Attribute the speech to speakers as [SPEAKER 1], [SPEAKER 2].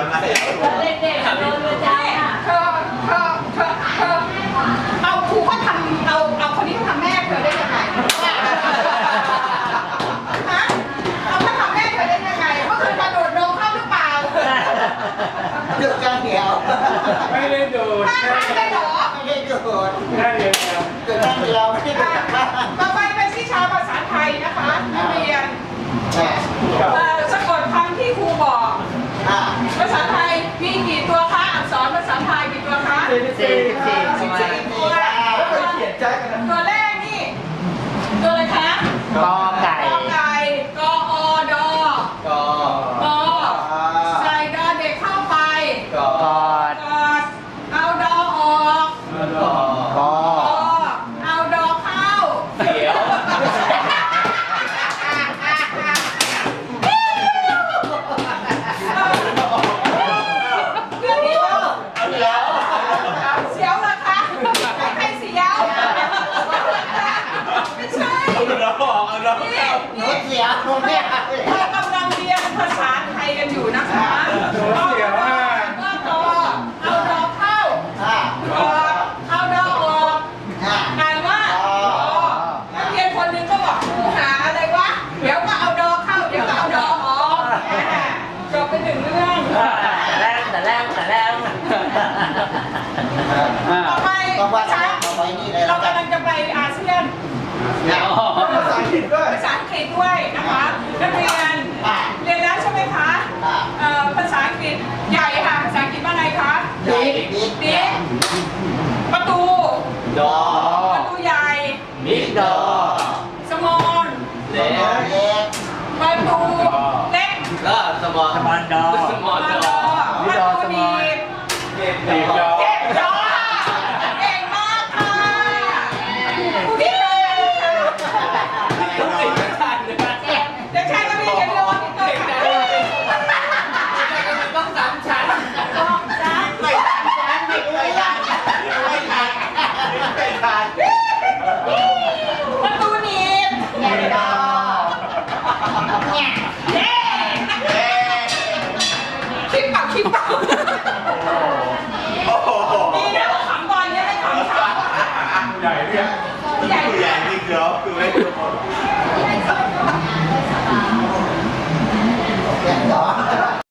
[SPEAKER 1] อนมาเด็กๆโดนเลยจ้าเธอเอาครูก็ทำเอาคนนี้ก็ทำแม่เธอได้ยังไงฮะเอาก็ทำแม่เธอได้ยังไงเมื่อคืนกระโดดลงเข้าหรือเปล่า
[SPEAKER 2] ดูกันเดียว
[SPEAKER 3] ไม่ได้โดด
[SPEAKER 1] ท่าทางได้หรอ
[SPEAKER 2] ไม่ได้โดด
[SPEAKER 3] แค่เดียว
[SPEAKER 2] ดูกันเดียวไม่ได้โดดจากบ้าน
[SPEAKER 1] ต่อไปเป็นวิชาภาษาไทยนะคะนักเรียนสะกดคำที่ครูบอกภาษาไทยมีกี่ตัวคะอักษรภาษาไทยกี่ตัวคะ
[SPEAKER 2] 14
[SPEAKER 1] ตัวแรกนี่ตัวอะไรคะ
[SPEAKER 2] กอไก่
[SPEAKER 1] กอไก่กออดอกอใส่ดอเด็กเข้าไป
[SPEAKER 2] กอด
[SPEAKER 1] กอดเอาดอออก
[SPEAKER 2] กอ
[SPEAKER 1] เอาดอเข้า
[SPEAKER 3] เดี๋ยว
[SPEAKER 1] เสียวเหรอคะใครเสียวไม่ใช่
[SPEAKER 3] เราบอกเอาเราเข้า
[SPEAKER 2] หนูเสียวไม่เอา
[SPEAKER 1] เรากำลังเรียนภาษาไทยกันอยู่นะคะเอาดอเอาดอเข้าเอาดอออกอ่านว่านักเรียนคนหนึ่งก็บอกครูหาอะไรวะเดี๋ยวก็เอาดอเข้าเดี๋ยวก็เอาดอออกจบไปหนึ่งเรื่อง
[SPEAKER 2] แต่แรก
[SPEAKER 1] ต่อไปเรากำลังจะไปอาเซียนภาษาอังกฤษด้วยนะคะนักเรียนเรียนแล้วใช่ไหมคะภาษาอังกฤษใหญ่ค่ะภาษาอังกฤษว่าไงคะบิ๊กประตูประตูใหญ่
[SPEAKER 2] บิ๊กดอ
[SPEAKER 1] สมอล
[SPEAKER 2] เล็ก
[SPEAKER 1] ประตูเล็ก
[SPEAKER 2] ก็สมอลดอ
[SPEAKER 1] ประตูหนีบ
[SPEAKER 3] ตีดอ